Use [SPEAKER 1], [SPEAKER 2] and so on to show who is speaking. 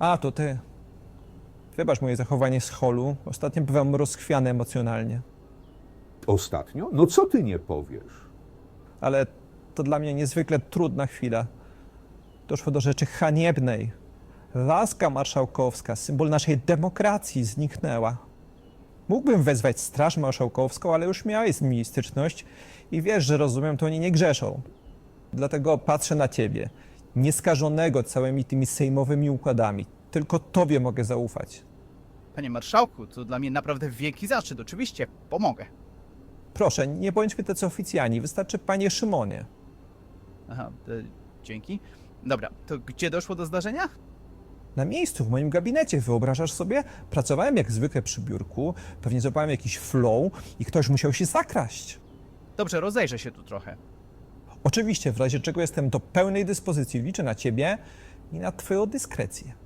[SPEAKER 1] A, to ty. Wybacz moje zachowanie z holu. Ostatnio bywam rozchwiany emocjonalnie.
[SPEAKER 2] Ostatnio? No co ty nie powiesz?
[SPEAKER 1] Ale to dla mnie niezwykle trudna chwila. Doszło do rzeczy haniebnej. Laska marszałkowska, symbol naszej demokracji, zniknęła. Mógłbym wezwać Straż Marszałkowską, ale już miałeś z nimi styczność i wiesz, że rozumiem, to oni nie grzeszą. Dlatego patrzę na ciebie, nieskażonego całymi tymi sejmowymi układami. Tylko tobie mogę zaufać.
[SPEAKER 3] Panie marszałku, to dla mnie naprawdę wielki zaszczyt. Oczywiście, pomogę.
[SPEAKER 1] Proszę, nie bądźmy tacy oficjalni, wystarczy panie Szymonie.
[SPEAKER 3] Aha, dzięki. Dobra, to gdzie doszło do zdarzenia?
[SPEAKER 1] Na miejscu, w moim gabinecie, wyobrażasz sobie? Pracowałem jak zwykle przy biurku, pewnie złapałem jakiś flow i ktoś musiał się zakraść.
[SPEAKER 3] Dobrze, rozejrzę się tu trochę.
[SPEAKER 1] Oczywiście, w razie czego jestem do pełnej dyspozycji, liczę na ciebie i na twoją dyskrecję.